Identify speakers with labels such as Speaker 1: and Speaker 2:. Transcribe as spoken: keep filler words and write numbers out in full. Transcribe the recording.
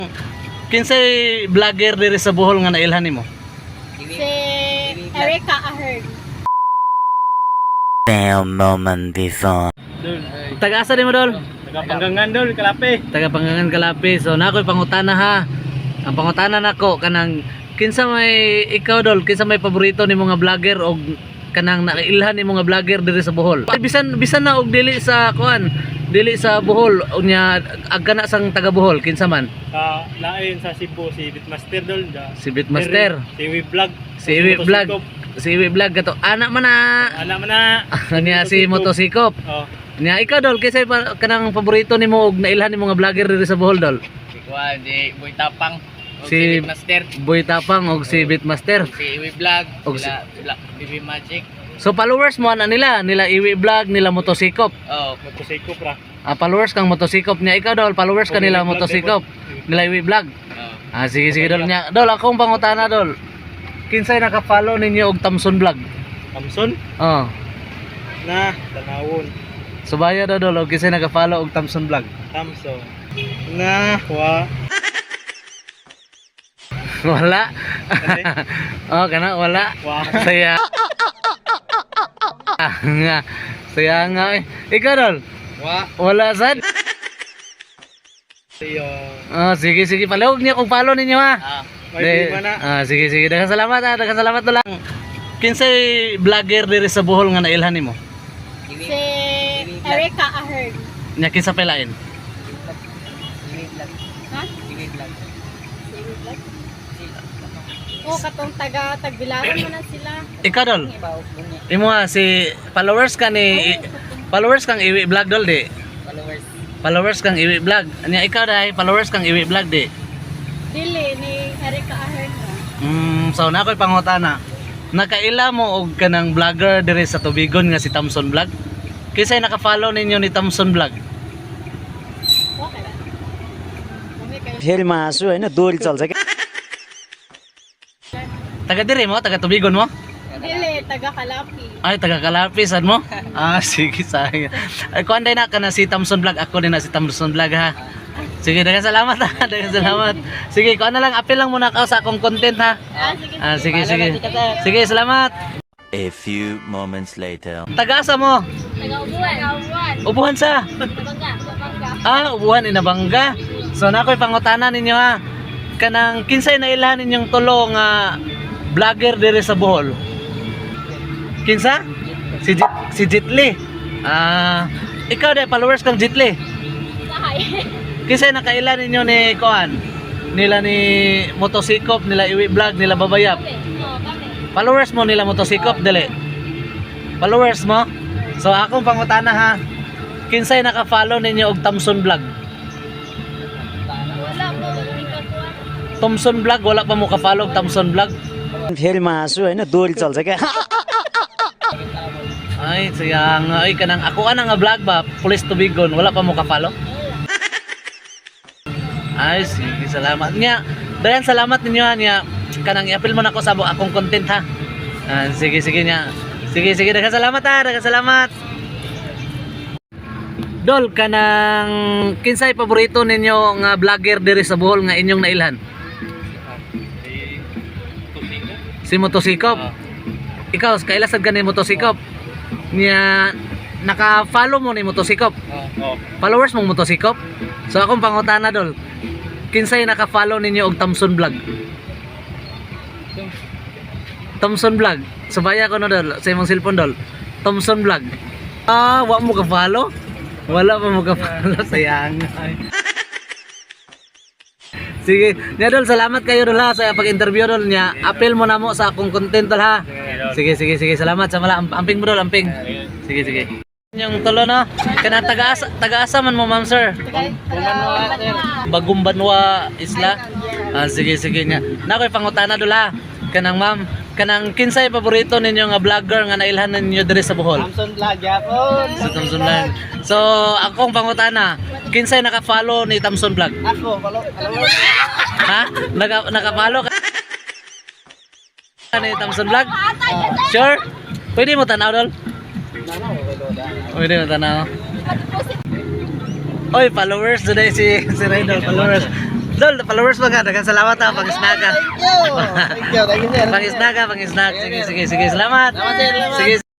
Speaker 1: Kinsay vlogger diri sa Bohol nga nailhan nimo?
Speaker 2: Si Erica Ahern.
Speaker 3: Damn moment before.
Speaker 1: Taga-asa di mo dol?
Speaker 4: Taga Panggangan dol, Kalape.
Speaker 1: Taga Panggangan Kalapi. So nakoy pangutana ha. Ang pangutana nako kanang kinsa may ikaw dol, kinsa may paborito nimo nga vlogger og kanang nakailhan nimo nga vlogger diri sa Bohol. Ay, bisan bisan na og dili sa kuan, dili sa Bohol unya agkana sang taga Bohol kinsa man?
Speaker 4: Sa lain sa Cebu si Bitmaster dol. da-
Speaker 1: Si Bitmaster,
Speaker 4: Si Iwi Vlog.
Speaker 1: si Iwi Vlog, si Iwi Vlog kato. Anak man na.
Speaker 4: Anak man na.
Speaker 1: Niya si Motosikop.
Speaker 4: Oh.
Speaker 1: Niya ikaw dol kinsa pa kanang paborito nimo og nailhan nimo nga vlogger diri sa Bohol dol?
Speaker 5: Si Kuan, si Boy Tapang, o
Speaker 1: Si-
Speaker 5: si Bitmaster,
Speaker 1: Boy Tapang og si Bitmaster.
Speaker 5: si Iwi Vlog,
Speaker 1: Og
Speaker 5: sila, sila B B Magic.
Speaker 1: So followers mo ana nila, nila Iwi Vlog, nila Motosikop.
Speaker 5: Oh,
Speaker 4: Motosikop ra.
Speaker 1: Ah, followers kang Motosikop niya ikaw dol, followers ka nila Motosikop, nila Iwi Vlog.
Speaker 5: oh.
Speaker 1: Ah sige sige dol niya. Dol akong pangutana dol. Kinsay naka-follow ninyo og Thompson Vlog?
Speaker 4: Thompson
Speaker 1: Oh.
Speaker 4: na tanawon.
Speaker 1: Subaya daw dol og kinsay naka-follow og Thompson Vlog?
Speaker 4: Thompson na wa.
Speaker 1: Wala.
Speaker 4: Kasi,
Speaker 1: Oh, kana wala.
Speaker 4: wa.
Speaker 1: Saya. Ah, nga. Saya nga eh. Ikaw dol.
Speaker 5: Wa,
Speaker 1: Wala sad.
Speaker 4: Siyo.
Speaker 1: Oh, sige sige palawag niya kung follow ninyo ha.
Speaker 5: ah,
Speaker 4: May
Speaker 1: De-
Speaker 4: lima na.
Speaker 1: Ah, sige sige. Daghang salamat ha. Daghang salamat dol. Kinsay vlogger diri sa Bohol nga nailhan nimo?
Speaker 2: Si Erica Ahern.
Speaker 1: Nya kinsa pelain?
Speaker 5: Iwi Vlog,
Speaker 2: Ha?
Speaker 5: Iwi Vlog.
Speaker 2: Si Iwi Vlog? Oo, katong taga Tagbilaran mo na sila.
Speaker 1: Ikaw dol.
Speaker 5: Baok mo niya,
Speaker 1: Imo ha si followers ka ni followers kang Iwi Vlog dol di.
Speaker 5: followers.
Speaker 1: Followers kang Iwi Vlog. Anya ikaw dai followers kang Iwi Vlog di.
Speaker 2: Dili ni Erica Ahern.
Speaker 1: Mm, so na ako'y pangutana. Nakaila mo og kanang vlogger diri sa Tubigon nga si Thompson Vlog? Kisay naka-follow ninyo ni Thompson Vlog?
Speaker 2: Okay ba? Kami kayo.
Speaker 3: फेरि हाँसु होइन दोहोरी चल्छ क्या
Speaker 1: Taga diri mo, taga Tubigon mo?
Speaker 2: Dili, taga Kalapi.
Speaker 1: Ay, taga Kalapisan mo? Ah, sige, sayang. Ay, kuan day na ka na si Thompson Vlog. Ako din na si Thompson Vlog ha. Sige, daghang salamat ha. Daghang salamat. Sige, kuan na lang, apil lang muna ka sa akong content ha.
Speaker 2: Ah, sige.
Speaker 1: Ah, sige, sige. Sige, salamat.
Speaker 3: A few moments later.
Speaker 1: Taga-asa mo?
Speaker 2: Taga Ubuan. Taga Ubuan.
Speaker 1: Ubuhan sa?
Speaker 2: Tabangga. Tabangga.
Speaker 1: Ah, ubuhan inabangga. So na ako'y pangutana ninyo ha. Kanang kinsay na ilahan ninyong tulo nga vlogger diri sa Bohol. Kinsa? Si Jit, si Jitli. Ah, ikaw dai followers kang Jitli.
Speaker 2: Sahay.
Speaker 1: Kinsay nakailan ninyo ni Koan? Nila ni Motosikop, nila Iwi Vlog, nila Babayap.
Speaker 2: Oo, kami.
Speaker 1: Followers mo nila Motosikop dili. Followers mo? So akong pangutana ha. Kinsay naka-follow ninyo og Thompson Vlog?
Speaker 2: Wala po. Ikakuan.
Speaker 1: Thompson Vlog wala pa mo ka-follow og Thompson Vlog?
Speaker 3: फेरि हाँसु होइन दोहोरी चल्छ क्या
Speaker 1: Ay, sayang. Ay, kanang ako ana nga vlog ba? Police Tubigon, wala pa mo ka-follow? Ay, sige, salamat niya. Dayan salamat ninyo ha, niya. Kanang i-appeal mo na ako sa bu- akong content ha. Ah, sige, sige niya. Sige, sige, daghang salamat ha, daghang salamat. Dol, kanang kinsay paborito ninyo nga vlogger diri sa Bohol nga inyong nailhan? Si Motosikop. Ikaw, kailasad ka ni Motosikop? Niya, naka-follow mo ni Motosikop?
Speaker 4: Oh.
Speaker 1: Followers mong Motosikop? So akong pangutana dol. Kinsay naka-follow ninyo og Thompson Vlog? Thompson Vlog. Subaya ko no dol sa imong cellphone dol. Thompson Vlog. Ah, wa mo ka-follow? Wala pa mo ka-follow, sayang. Sige, nya dol, salamat kayo dol ha sa pag-interview dol niya. Appeal mo na mo sa akong content dol ha. Sige, sige, sige. Salamat sa mala. Am- Amping mo dol, amping. Sige, sige. Yung tulo no. Kana taga-asa, taga-asa man mo, ma'am sir.
Speaker 2: Taga Taga
Speaker 1: Bagong Banwa Isla. Ah, sige, sige niya. Nakoy pangutana dol ha. Kanang ma'am, kanang kinsay paborito ninyo nga vlogger nga nailhan ninyo diri sa Bohol?
Speaker 4: Thompson Vlog yapon.
Speaker 1: Sa Thompson Vlog. So, akong pangutana, kinsay naka-follow ni Thompson Vlog?
Speaker 4: Ako, follow.
Speaker 1: Ha? Naka naka-follow ka ni Thompson Vlog? Sure? Pwede mo tanaw dol? Pwede mo tanaw. Oy, followers today si si Raydol, followers. Dol, followers mo ka. Daghang salamat ha, pang-snack ka.
Speaker 4: Thank you. Thank you, thank you, sir.
Speaker 1: Pang-snack ka, pang-snack. Sige, sige, sige. Salamat.
Speaker 4: Salamat, sir. Salamat.
Speaker 1: Sige.